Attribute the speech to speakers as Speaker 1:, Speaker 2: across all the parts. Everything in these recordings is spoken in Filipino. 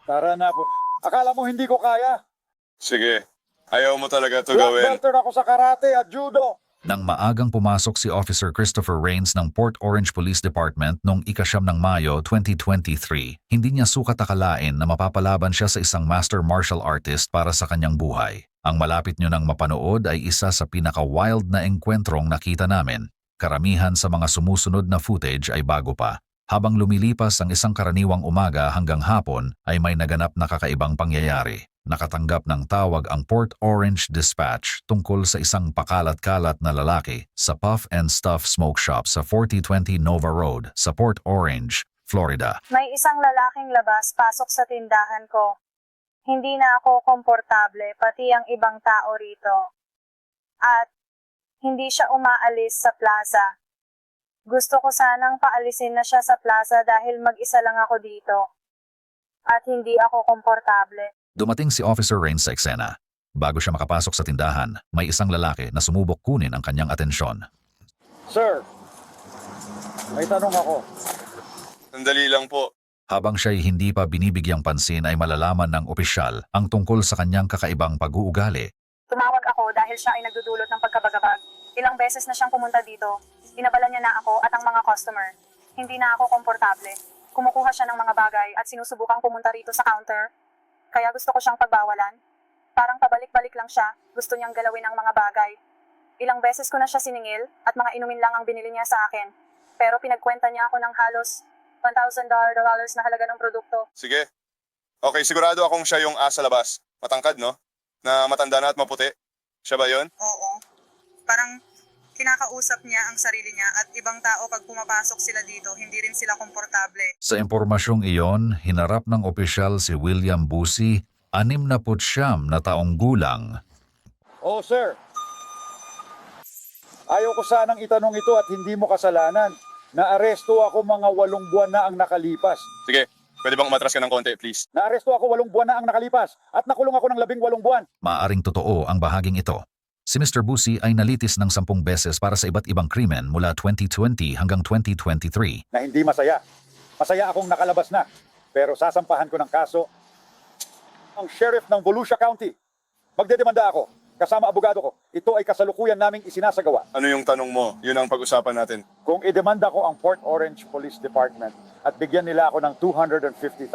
Speaker 1: Tara na po. Akala mo hindi ko kaya?
Speaker 2: Sige. Ayaw mo talaga to
Speaker 1: Black
Speaker 2: gawin.
Speaker 1: belter ako sa karate at judo.
Speaker 3: Nang maagang pumasok si Officer Christopher Rains ng Port Orange Police Department noong ika-9 ng Mayo 2023, hindi niya sukat akalain na mapapalaban siya sa isang master martial artist para sa kanyang buhay. Ang malapit nyo nang mapanood ay isa sa pinaka-wild na engkwentrong nakita namin. Karamihan sa mga sumusunod na footage ay bago pa. Habang lumilipas ang isang karaniwang umaga hanggang hapon ay may naganap na kakaibang pangyayari. Nakatanggap ng tawag ang Port Orange Dispatch tungkol sa isang pakalat-kalat na lalaki sa Puff and Stuff Smoke Shop sa 4020 Nova Road sa Port Orange, Florida.
Speaker 4: May isang lalaking labas pasok sa tindahan ko. Hindi na ako komportable, pati ang ibang tao rito. At hindi siya umaalis sa plaza. Gusto ko sanang paalisin na siya sa plaza dahil mag-isa lang ako dito. At hindi ako komportable.
Speaker 3: Dumating si Officer Rains sa eksena. Bago siya makapasok sa tindahan, may isang lalaki na sumubok kunin ang kanyang atensyon.
Speaker 1: Sir, may tanong ako.
Speaker 2: Sandali lang po.
Speaker 3: Habang siya'y hindi pa binibigyang pansin ay malalaman ng opisyal ang tungkol sa kanyang kakaibang pag-uugali.
Speaker 4: Tumawag ako dahil siya ay nagdudulot ng pagkabagabag. Ilang beses na siyang pumunta dito. Inabala niya na ako at ang mga customer. Hindi na ako komportable. Kumukuha siya ng mga bagay at sinusubukang pumunta rito sa counter. Kaya gusto ko siyang pagbawalan. Parang pabalik-balik lang siya. Gusto niyang galawin ang mga bagay. Ilang beses ko na siya siningil at mga inumin lang ang binili niya sa akin. Pero pinagkwenta niya ako ng halos $1,000 na halaga ng produkto.
Speaker 2: Sige. Okay, sigurado akong siya yung asa labas. Matangkad, no? Na matanda na at maputi. Siya ba yun?
Speaker 4: Oo. Parang kinakausap niya ang sarili niya at ibang tao pag pumapasok sila dito, hindi rin sila komportable.
Speaker 3: Sa impormasyong iyon, hinarap ng opisyal si William Busi, 69 na taong gulang.
Speaker 1: Oh, sir. Ayaw ko sanang itanong ito at hindi mo kasalanan. Naaresto ako mga 8 buwan na ang nakalipas.
Speaker 2: Sige. Pwede bang umatras ka ng konti, please?
Speaker 1: Naaresto ako 8 buwan na ang nakalipas at nakulong ako ng 18 buwan.
Speaker 3: Maaring totoo ang bahaging ito. Si Mr. Busi ay nalitis ng 10 beses para sa iba't ibang krimen mula 2020 hanggang 2023.
Speaker 1: Na hindi masaya. Masaya akong nakalabas na. Pero sasampahan ko ng kaso ang sheriff ng Volusia County. Magdedemanda ako. Kasama abogado ko. Ito ay kasalukuyan naming isinasagawa.
Speaker 2: Ano yung tanong mo? Yun ang pag-usapan natin.
Speaker 1: Kung idemanda ko ang Port Orange Police Department at bigyan nila ako ng $250,000,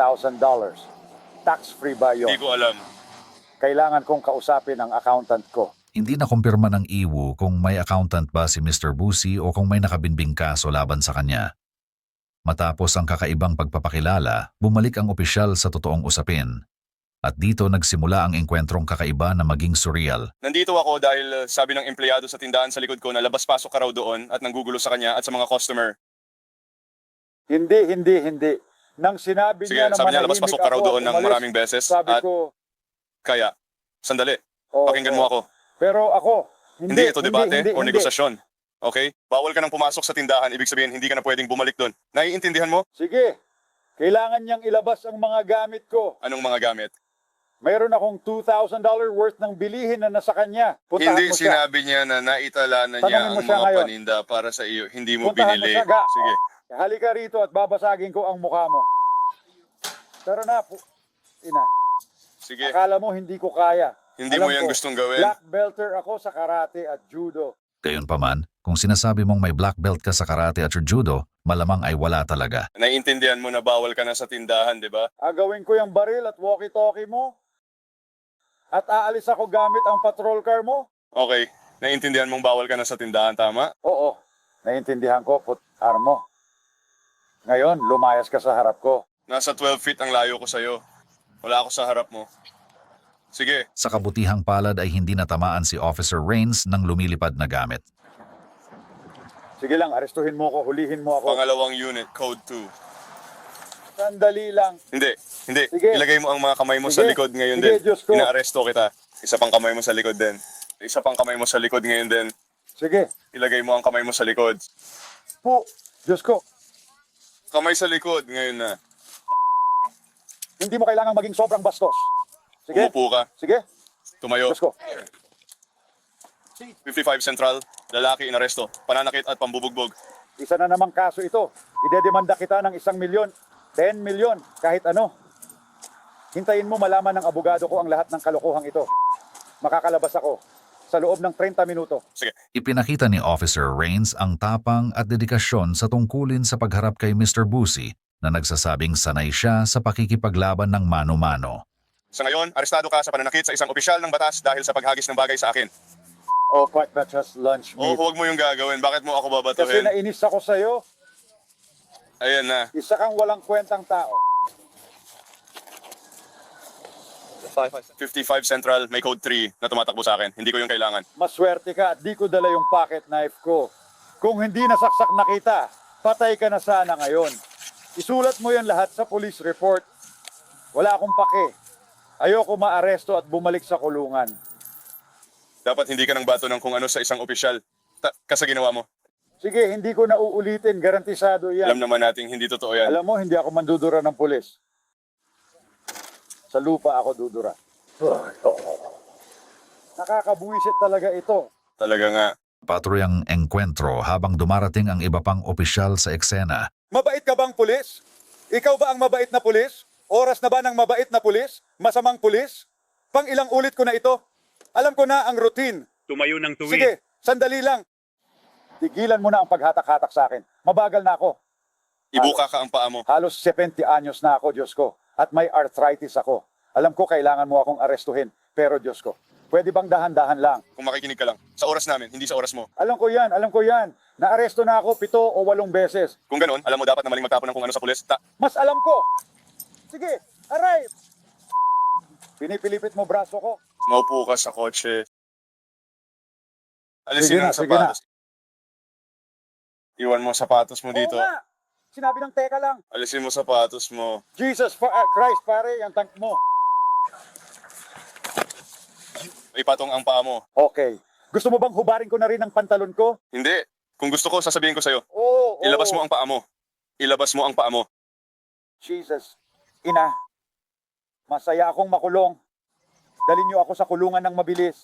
Speaker 1: tax-free ba yun?
Speaker 2: Hindi ko alam.
Speaker 1: Kailangan kong kausapin ang accountant ko.
Speaker 3: Hindi na kumpirma ng IWU kung may accountant ba si Mr. Busi o kung may nakabinbing kaso laban sa kanya. Matapos ang kakaibang pagpapakilala, bumalik ang opisyal sa totoong usapin. At dito nagsimula ang engkwentrong kakaiba na maging surreal.
Speaker 2: Nandito ako dahil sabi ng empleyado sa tindahan sa likod ko na labas-pasok ka raw doon at nanggugulo sa kanya at sa mga customer.
Speaker 1: Hindi. Nang sinabi
Speaker 2: Sige,
Speaker 1: niya na
Speaker 2: sabi niya
Speaker 1: manahimik
Speaker 2: labas-pasok ka raw
Speaker 1: ako at
Speaker 2: doon ng
Speaker 1: umalis,
Speaker 2: maraming beses
Speaker 1: sabi
Speaker 2: at
Speaker 1: ko,
Speaker 2: kaya, sandali,
Speaker 1: "Oo,
Speaker 2: pakinggan mo ako.
Speaker 1: Pero ako,
Speaker 2: Hindi ito debate o
Speaker 1: hindi.
Speaker 2: negosasyon. Okay? Bawal ka nang pumasok sa tindahan, ibig sabihin hindi ka na pwedeng bumalik doon. Naiintindihan mo?
Speaker 1: Sige, kailangan niyang ilabas ang mga gamit ko.
Speaker 2: Anong mga gamit?
Speaker 1: Mayroon akong $2,000 worth ng bilihin na nasa kanya. Puntahan
Speaker 2: Hindi
Speaker 1: mo siya.
Speaker 2: sinabi niya na naitala na
Speaker 1: Tanungin
Speaker 2: niya
Speaker 1: mo
Speaker 2: ang
Speaker 1: siya
Speaker 2: mga
Speaker 1: ngayon.
Speaker 2: paninda para sa iyo. Hindi mo
Speaker 1: Puntahan mo
Speaker 2: binili.
Speaker 1: siya, ga.
Speaker 2: Sige.
Speaker 1: Halika rito at babasagin ko ang mukha mo. Tara na po. Ina,
Speaker 2: Sige.
Speaker 1: akala mo hindi ko kaya.
Speaker 2: Hindi
Speaker 1: Alam
Speaker 2: mo yan
Speaker 1: ko,
Speaker 2: gustong gawin.
Speaker 1: Black belter ako sa karate at judo.
Speaker 3: Gayunpaman, kung sinasabi mong may black belt ka sa karate at judo, malamang ay wala talaga.
Speaker 2: Naiintindihan mo na bawal ka na sa tindahan, di ba?
Speaker 1: Agawin ko yung baril at walkie-talkie mo. At aalis ako gamit ang patrol car mo.
Speaker 2: Okay. Naiintindihan mong bawal ka na sa tindahan, tama?
Speaker 1: Oo, naiintindihan ko, put armo. Ngayon, lumayas ka sa harap ko.
Speaker 2: Nasa 12 feet ang layo ko sa'yo. Wala ako sa harap mo. Sige.
Speaker 3: Sa kabutihang palad ay hindi natamaan si Officer Rains ng lumilipad na gamit.
Speaker 1: Sige lang, arestuhin mo ko, hulihin mo ako.
Speaker 2: Pangalawang unit, code 2.
Speaker 1: Sandali lang.
Speaker 2: Hindi.
Speaker 1: Sige.
Speaker 2: Ilagay mo ang mga kamay mo sa
Speaker 1: Sige.
Speaker 2: likod ngayon
Speaker 1: Sige,
Speaker 2: din.
Speaker 1: Diyos ko.
Speaker 2: Inaaresto kita. Isa pang kamay mo sa likod din. Isa pang kamay mo sa likod ngayon din.
Speaker 1: Sige.
Speaker 2: Ilagay mo ang kamay mo sa likod.
Speaker 1: Po, Diyos ko.
Speaker 2: Kamay sa likod ngayon na.
Speaker 1: Hindi mo kailangang maging sobrang bastos. Sige.
Speaker 2: Umupo ka.
Speaker 1: Sige.
Speaker 2: Tumayo.
Speaker 1: Diyos ko.
Speaker 2: 55 Central. Lalaki inaresto. Pananakit at pambubugbog.
Speaker 1: Isa na namang kaso ito. Idedemanda kita ng 1 milyon, 10 milyon, kahit ano. Hintayin mo malaman ng abogado ko ang lahat ng kalokohang ito. Makakalabas ako sa loob ng 30 minuto.
Speaker 2: Sige.
Speaker 3: Ipinakita ni Officer Rains ang tapang at dedikasyon sa tungkulin sa pagharap kay Mr. Busey na nagsasabing sanay siya sa pakikipaglaban ng mano-mano.
Speaker 2: Sa ngayon, arestado ka sa pananakit sa isang opisyal ng batas dahil sa paghagis ng bagay sa akin.
Speaker 1: Oh, what ba just lunch
Speaker 2: O
Speaker 1: meat?
Speaker 2: huwag mo yung gagawin. Bakit mo ako
Speaker 1: Kasi
Speaker 2: babatuhin?
Speaker 1: nainis ako sa'yo.
Speaker 2: Ayan na.
Speaker 1: Isa kang walang kwentang tao.
Speaker 2: 55 Central, may code 3 na tumatakbo sa akin. Hindi ko yung kailangan.
Speaker 1: Maswerte ka at di ko dala yung pocket knife ko. Kung hindi nasaksak na kita, patay ka na sana ngayon. Isulat mo yan lahat sa police report. Wala akong pake. Ayoko maaresto at bumalik sa kulungan.
Speaker 2: Dapat hindi ka nang bato ng kung ano sa isang opisyal. Kasi ginawa mo.
Speaker 1: Sige, hindi ko na uulitin. Garantisado yan.
Speaker 2: Alam naman nating hindi totoo yan.
Speaker 1: Alam mo, hindi ako mandudura ng pulis. Sa lupa ako dudura. Nakakabuwisit talaga ito.
Speaker 2: Talaga nga.
Speaker 3: Patuloy ang engkwentro habang dumarating ang iba pang opisyal sa eksena.
Speaker 1: Mabait ka bang pulis? Ikaw ba ang mabait na pulis? Oras na ba ng mabait na pulis? Masamang pulis? Pang ilang ulit ko na ito? Alam ko na ang routine.
Speaker 5: Tumayo ng tuwid.
Speaker 1: Sige, sandali lang. Tigilan mo na ang paghatak-hatak sa akin. Mabagal na ako.
Speaker 2: Ibuka ka ang paa mo.
Speaker 1: Halos 70 anyos na ako, Diyos ko. At may arthritis ako. Alam ko kailangan mo akong arestuhin. Pero Diyos ko, pwede bang dahan-dahan lang?
Speaker 2: Kung makikinig ka lang. Sa oras namin, hindi sa oras mo.
Speaker 1: Alam ko yan, alam ko yan. Naaresto na ako 7 o 8 beses.
Speaker 2: Kung ganun, alam mo dapat na maling magtapon ng kung ano sa pulis.
Speaker 1: Mas alam ko. Sige, aray! Pinipilipit mo braso ko.
Speaker 2: Maupo ka sa kotse.
Speaker 1: Sige
Speaker 2: Alisin
Speaker 1: na,
Speaker 2: ang
Speaker 1: sige na.
Speaker 2: sapatos. Iwan mo sapatos mo dito.
Speaker 1: Oo nga. Sinabi ng teka lang.
Speaker 2: Alisin mo sapatos mo.
Speaker 1: Jesus Christ, pare, yung tank mo.
Speaker 2: Ipatong ang paa mo.
Speaker 1: Okay. Gusto mo bang hubarin ko na rin ang pantalon ko?
Speaker 2: Hindi. Kung gusto ko, sasabihin ko sa'yo.
Speaker 1: Oo.
Speaker 2: Ilabas mo ang paa mo. Ilabas mo ang paa mo.
Speaker 1: Jesus. Ina. Masaya akong makulong. Dalhin niyo ako sa kulungan ng mabilis.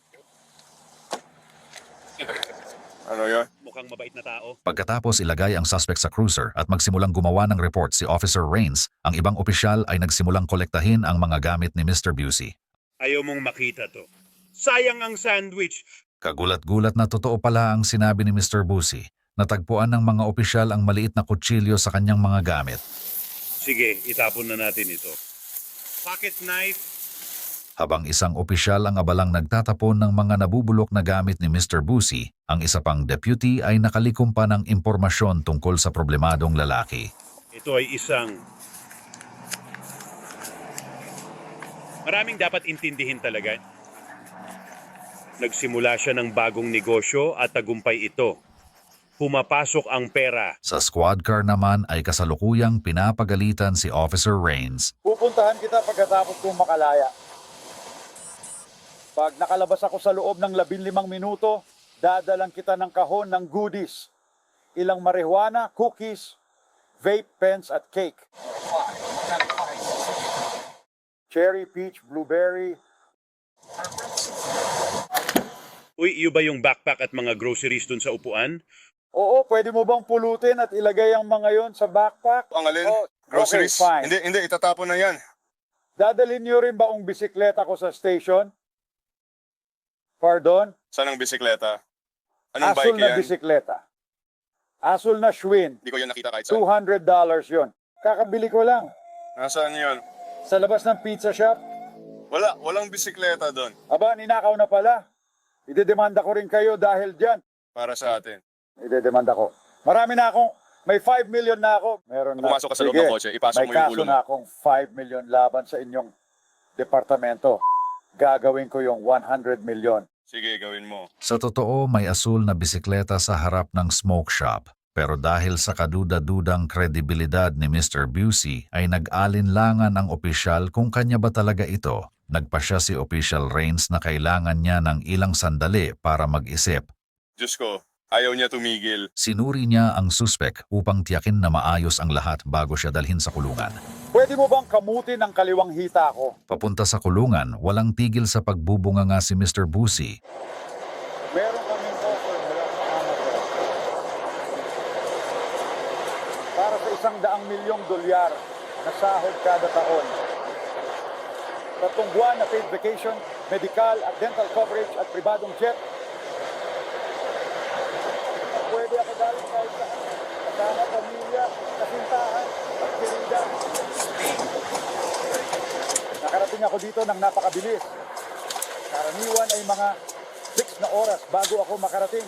Speaker 2: Ano yun?
Speaker 5: Mukhang mabait na tao.
Speaker 3: Pagkatapos ilagay ang suspect sa cruiser at magsimulang gumawa ng report si Officer Rains, ang ibang opisyal ay nagsimulang kolektahin ang mga gamit ni Mr. Busey.
Speaker 5: Ayaw mong makita to. Sayang ang sandwich.
Speaker 3: Kagulat-gulat na totoo pala ang sinabi ni Mr. Busey. Natagpuan ng mga opisyal ang maliit na kutsilyo sa kanyang mga gamit.
Speaker 5: Sige, itapon na natin ito. Pocket knife.
Speaker 3: Habang isang opisyal ang abalang nagtatapon ng mga nabubulok na gamit ni Mr. Busey, ang isa pang deputy ay nakalikom pa ng impormasyon tungkol sa problemadong lalaki.
Speaker 5: Ito ay isang... Maraming dapat intindihin talaga. Nagsimula siya ng bagong negosyo at tagumpay ito. Pumapasok ang pera.
Speaker 3: Sa squad car naman ay kasalukuyang pinapagalitan si Officer Rains.
Speaker 1: Pupuntahan kita pagkatapos kong makalaya. Pag nakalabas ako sa loob ng 15 minuto, dadalang kita ng kahon ng goodies. Ilang marijuana, cookies, vape pens at cake. Cherry, peach, blueberry.
Speaker 5: Uy, iyo ba yung backpack at mga groceries dun sa upuan?
Speaker 1: Oo, pwede mo bang pulutin at ilagay ang mga yon sa backpack?
Speaker 2: Ang alin?
Speaker 1: Oh,
Speaker 2: Groceries?
Speaker 1: okay, fine.
Speaker 2: Hindi, itatapon na yan.
Speaker 1: Dadalhin niyo rin ba ang bisikleta ko sa station? Pardon?
Speaker 2: Saan ang bisikleta? Anong
Speaker 1: Asul
Speaker 2: bike
Speaker 1: na
Speaker 2: yan?
Speaker 1: bisikleta. Asul na Schwinn.
Speaker 2: Hindi ko yan nakita kahit saan.
Speaker 1: $200 yon. Kakabili ko lang.
Speaker 2: Nasaan yun?
Speaker 1: Sa labas ng pizza shop.
Speaker 2: Walang bisikleta doon.
Speaker 1: Aba, ninakaw na pala. Idedemanda ko rin kayo dahil dyan.
Speaker 2: Para sa atin.
Speaker 1: Idedemanda ko. Marami na akong, may 5 million na ako. Meron na.
Speaker 2: Pumasok ka sa loob
Speaker 1: Sige,
Speaker 2: ng kotse, ipasok
Speaker 1: may
Speaker 2: mo yung
Speaker 1: kaso
Speaker 2: ulo mo.
Speaker 1: na akong 5 million laban sa inyong departamento. Gagawin ko yung 100 million.
Speaker 2: Sige, gawin mo.
Speaker 3: Sa totoo, may asul na bisikleta sa harap ng smoke shop. Pero dahil sa kaduda-dudang kredibilidad ni Mr. Busey ay nag-alinlangan ang opisyal kung kanya ba talaga ito. Nagpasya si Official Rains na kailangan niya ng ilang sandali para mag-isip.
Speaker 2: Diyos ko, ayaw niya tumigil.
Speaker 3: Sinuri niya ang suspek upang tiyakin na maayos ang lahat bago siya dalhin sa kulungan.
Speaker 1: Pwede mo bang kamutin ang kaliwang hita ko?
Speaker 3: Papunta sa kulungan, walang tigil sa pagbubunga nga si Mr. Busey.
Speaker 1: Meron kaming offer mula sa Amazon. Para sa $100 milyong na sahod kada taon. 3 buwan na paid vacation, medical at dental coverage at pribadong jet. Pwede ako galing kahit saan. Kasama pamilya, kasintahan, at kirida. Nakarating ako dito ng napakabilis. Karaniwan ay mga 6 na oras bago ako makarating.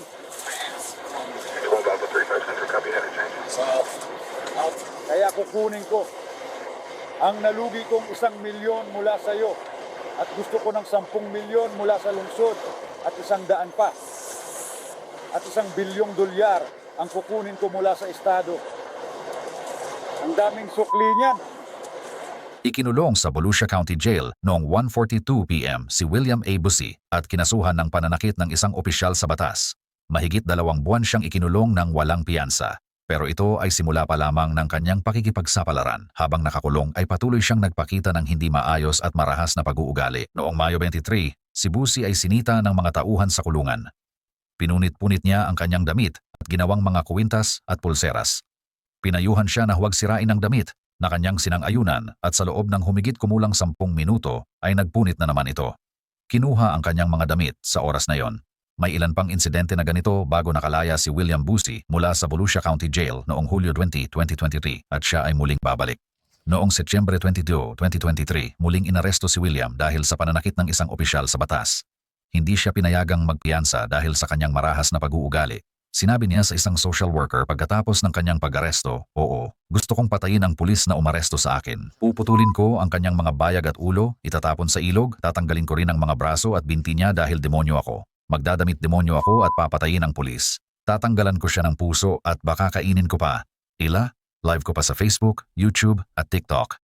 Speaker 1: Kaya kukunin ko ang nalugi kong 1 milyon mula sa iyo at gusto ko ng 10 milyon mula sa lungsod at 100 pa at 1 bilyong dolyar ang kukunin ko mula sa estado. Ang daming sukli niyan.
Speaker 3: Ikinulong sa Volusia County Jail noong 1:42 p.m. si William A. Busi at kinasuhan ng pananakit ng isang opisyal sa batas. Mahigit 2 buwan siyang ikinulong ng walang piyansa. Pero ito ay simula pa lamang ng kanyang pakikipagsapalaran. Habang nakakulong ay patuloy siyang nagpakita ng hindi maayos at marahas na pag-uugali. Noong Mayo 23, si Busi ay sinita ng mga tauhan sa kulungan. Pinunit-punit niya ang kanyang damit at ginawang mga kuwintas at pulseras. Pinayuhan siya na huwag sirain ang damit na kanyang sinang-ayunan at sa loob ng humigit kumulang 10 minuto ay nagpunit na naman ito. Kinuha ang kanyang mga damit sa oras na yon. May ilan pang insidente na ganito bago nakalaya si William Busi mula sa Volusia County Jail noong Hulyo 20, 2023 at siya ay muling babalik. Noong Setyembre 22, 2023, muling inaresto si William dahil sa pananakit ng isang opisyal sa batas. Hindi siya pinayagang magpiyansa dahil sa kanyang marahas na pag-uugali. Sinabi niya sa isang social worker pagkatapos ng kanyang pag-aresto, "Oo, gusto kong patayin ang pulis na umaresto sa akin. Puputulin ko ang kanyang mga bayag at ulo, itatapon sa ilog, tatanggalin ko rin ang mga braso at binti niya dahil demonyo ako. Magdadamit demonyo ako at papatayin ang pulis. Tatanggalan ko siya ng puso at baka kainin ko pa." Live ko pa sa Facebook, YouTube at TikTok.